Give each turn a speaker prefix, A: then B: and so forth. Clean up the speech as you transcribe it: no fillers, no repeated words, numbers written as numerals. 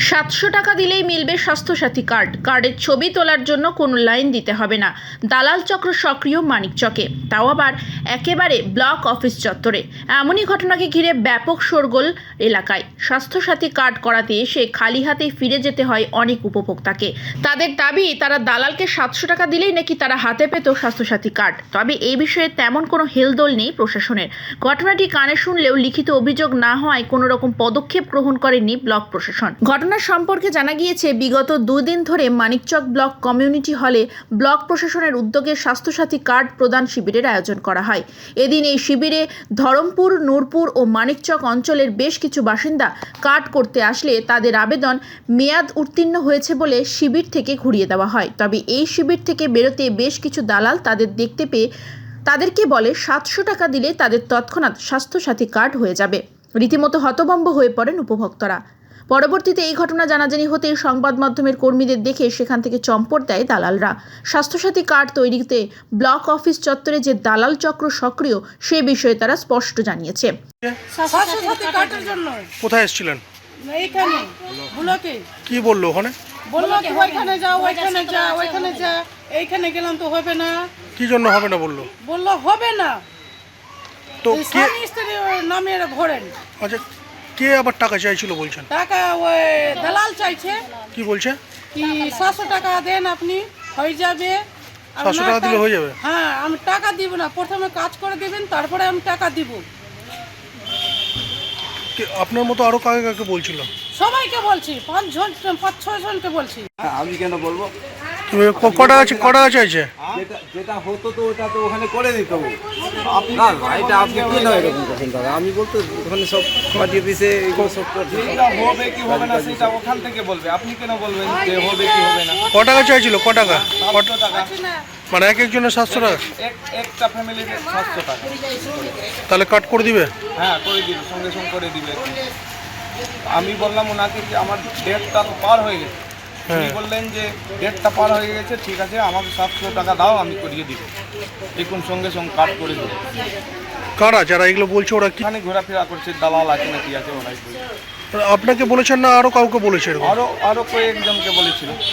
A: 700 টাকা দিলেই মিলবে স্বাস্থ্যসাথী কার্ড। কার্ডের ছবি তোলার জন্য কোনো লাইন দিতে হবে না। দালাল চক্র সক্রিয় মানিকচকে, তাও আবার একেবারে ব্লক অফিস চত্বরে। এমনই ঘটনাকে ঘিরে ব্যাপক শোরগোল এলাকায়। স্বাস্থ্যসাথী কার্ড করাতে এসে খালি হাতে ফিরে যেতে হয় অনেক উপভোক্তাকে। তাদের দাবি, তারা দালালকে 700 টাকা দিলেই নাকি তারা হাতে পেত স্বাস্থ্যসাথী কার্ড। তবে এই বিষয়ে তেমন কোনো হেলদোল নেই প্রশাসনের। ঘটনাটি কানে শুনলেও লিখিত অভিযোগ না হওয়ায় কোনো রকম পদক্ষেপ গ্রহণ করেনি ব্লক প্রশাসন। ঘটনার সম্পর্কে জানা গিয়েছে, বিগত 2 দিন ধরে মানিকচক ব্লক কমিউনিটি হলে ব্লক প্রশাসনের উদ্যোগে স্বাস্থ্যসাথী কার্ড প্রদান শিবিরের আয়োজন করা হয়। এদিন এই শিবিরে ধরমপুর, নূরপুর ও মানিকচক অঞ্চলের বেশ কিছু বাসিন্দা কার্ড করতে আসলে তাদের আবেদন মেয়াদ উত্তীর্ণ হয়েছে বলে শিবির থেকে ঘুরিয়ে দেওয়া হয়। তবে এই শিবির থেকে বেরোতে বেশ কিছু দালাল তাদের দেখতে পেয়ে তাদেরকে বলে 700 টাকা দিলে তাদের তৎক্ষণাৎ স্বাস্থ্যসাথী কার্ড হয়ে যাবে। রীতিমতো হতভম্ব হয়ে পড়েন উপভোক্তারা। পরবর্তীতে এই ঘটনা জানাজানি হতেই সংবাদ মাধ্যমের কর্মীদের দেখে সেখান থেকে চম্পট দেয় দালালরা। স্বাস্থ্যসাথী কার্ড তৈরিতে ব্লক অফিস চত্বরে যে দালাল চক্র সক্রিয়, সে বিষয়ে তারা স্পষ্ট জানিয়েছে।
B: স্বাস্থ্যসাথী কার্ডের জন্য
C: কোথায় এসেছিলেন?
B: এইখানে ব্লকে
C: কি বললো ওখানে?
B: বললো কি ওইখানে যা, ওইখানে যা, ওইখানে যা। এইখানে গেলাম তো হবে না।
C: কি জন্য হবে না বললো?
B: বললো হবে না,
C: তো কে?
B: স্বামী স্ত্রী নামে ভরেন।
C: আচ্ছা, কে আবার টাকা চাইছিল বলছেন?
B: টাকা ওই দালাল চাইছে
C: কি বলছে?
B: কি 700 টাকা দেন, আপনি হয়ে যাবে। আর
C: 700
B: না
C: টাকা দিলে হয়ে যাবে?
B: হ্যাঁ, আমি টাকা দিব না, প্রথমে কাজ করে দিবেন, তারপরে আমি টাকা দিব।
C: আপনার মতো আরো কাকে কাকে বলছিল?
B: সবাইকে বলছি, 5-6 জনকে বলছি।
D: আমি কেন বলবো?
C: কটা চাইছে?
D: যেটা হতো তো ওটা তো ওখানে করে দিত। না এটা আপনি কি নয় এরকম কথা দাদা। আমি বলতে ওখানে সব পাঠিয়ে দিয়েছে, এগুলো সব করছে।
E: হবে কি হবে না সেটা ওখান থেকে বলবে, আপনি কেন বলবেন যে হবে কি হবে না?
C: ক টাকা চাইছিল? ক টাকা?
E: 700 টাকা
C: মানে এক একজনের 700 টাকা?
E: একটা ফ্যামিলিতে 700 টাকা।
C: তাহলে কাট করে দিবে?
E: হ্যাঁ, করে দিবে, সঙ্গে সঙ্গে করে দিবে। আমি বললাম ওনাকে যে আমার ডেটটা তো পার হয়ে গেছে। উনি বললেন যে ডেটটা পার হয়ে গেছে, ঠিক আছে আমাকে 700 টাকা দাও, আমি করিয়ে দিব। দেখুন সঙ্গে সঙ্গে কাট করে দেবো।
C: কারা যারা এগুলো বলছে ওরা কি
E: এখানে ঘোরাফেরা করছে, দালাল আছে নাকি আছে ওরাই বলছে।
C: আপনাকে বলেছেন না আরো কাউকে বলেছে এরকম?
E: আরো কয়েকজনকে বলেছিল।